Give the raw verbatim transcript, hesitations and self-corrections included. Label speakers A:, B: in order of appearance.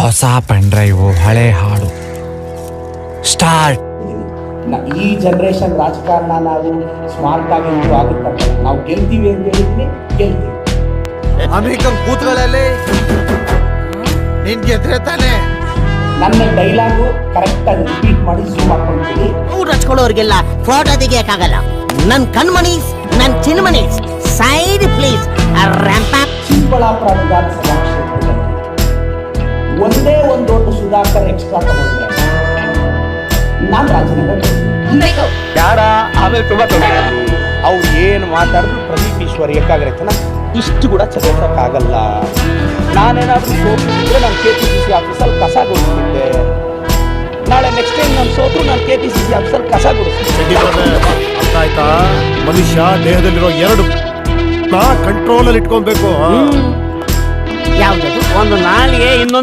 A: ಹೊಸ pen drive, ಹಳೆ ಹಾಡು, ಸ್ಟಾರ್ಟ್.
B: ಈ ಜನರೇಷನ್ ರಾಜಕಾರಣ ನಾವು ಸ್ಮಾರ್ಟ್ ಆಗಿ ಆಗುತ್ತೆ. ನಾವು ಗೆಲ್ತೀವಿ ಅಂತ ಹೇಳಿದ್ವಿ, ಗೆಲ್ತೀವಿ.
C: ಅಮೆರಿಕನ್ ಕೂತ್ಗಳಲ್ಲಿ ನೀನ್ ಗೆದ್ರೆ ತಾನೆ.
B: ನನ್ನ ಡೈಲಾಗು ಕರೆಕ್ಟ್ ಆಗಿ ರಿಪೀಟ್ ಮಾಡಿ ಝೂಮ್ ಹಾಕೊಂಡ್ಬಿಡಿ.
D: ಊಟ ಹಚ್ಕೊಳ್ಳೋರ್ಗೆಲ್ಲ ಫೋಟೋ ತೆಗಿಯಕ್ಕಾಗಲ್ಲ. ನನ್ ಕಣ್ಮನೀಸ್, ನನ್ ಚಿನ್ಮನೀಸ್, ಸೈಡ್ ಪ್ಲೀಸ್.
B: ಚಿಕ್ಕಬಳ್ಳಾಪುರ ವಿಧಾನಸಭಾ ಕ್ಷೇತ್ರದಲ್ಲಿ ಒಂದೇ ಒಂದು ದೊಡ್ಡ ಸುಧಾಕರ್ ಎಕ್ಸ್ಟ್ರಾ ತಗೊಂಡ್ರೆ ನಾನು ರಾಜೀನಾಮೆ
E: ಯಾರ ಆಮೇಲೆ ತುಂಬಾ ತೊಂದರೆ. ಅವ್ರು ಏನು ಮಾತಾಡಿದ್ರು ಪ್ರದೀಪ್ ಈಶ್ವರ್ ಏಕಾಗ್ರತೆನ ಇಷ್ಟು ಕೂಡ ಚದರ್ಸಕ್ಕಾಗಲ್ಲ. ನಾನೇನಾದ್ರೂ ಸೋತಿದ್ರೆ ನಾನು ಕೆ ಪಿ ಸಿ ಸಿ ಆಫೀಸಲ್ಲಿ ಕಸ ಗುಡಿಸ್ತಿದ್ದೆ. ನಾಳೆ ನೆಕ್ಸ್ಟ್ ಟೈಮ್ ನಾನು ಸೋತ್ರು ನಾನು ಕೆ ಪಿ ಸಿ ಸಿ ಆಫೀಸಲ್ಲಿ ಕಸ ಗುಡಿಸ್ತಿದ್ದೆ.
F: ಅರ್ಥ ಆಯ್ತಾ? ಮನುಷ್ಯ ದೇಹದಲ್ಲಿರೋ ಎರಡು ಕಂಟ್ರೋಲ್ ಅಲ್ಲಿ ಇಟ್ಕೊಬೇಕು.
D: ಯಾವ್ದು
E: ಒಂದು ನಾಲಿಗೆ ಇನ್ನೊಂದು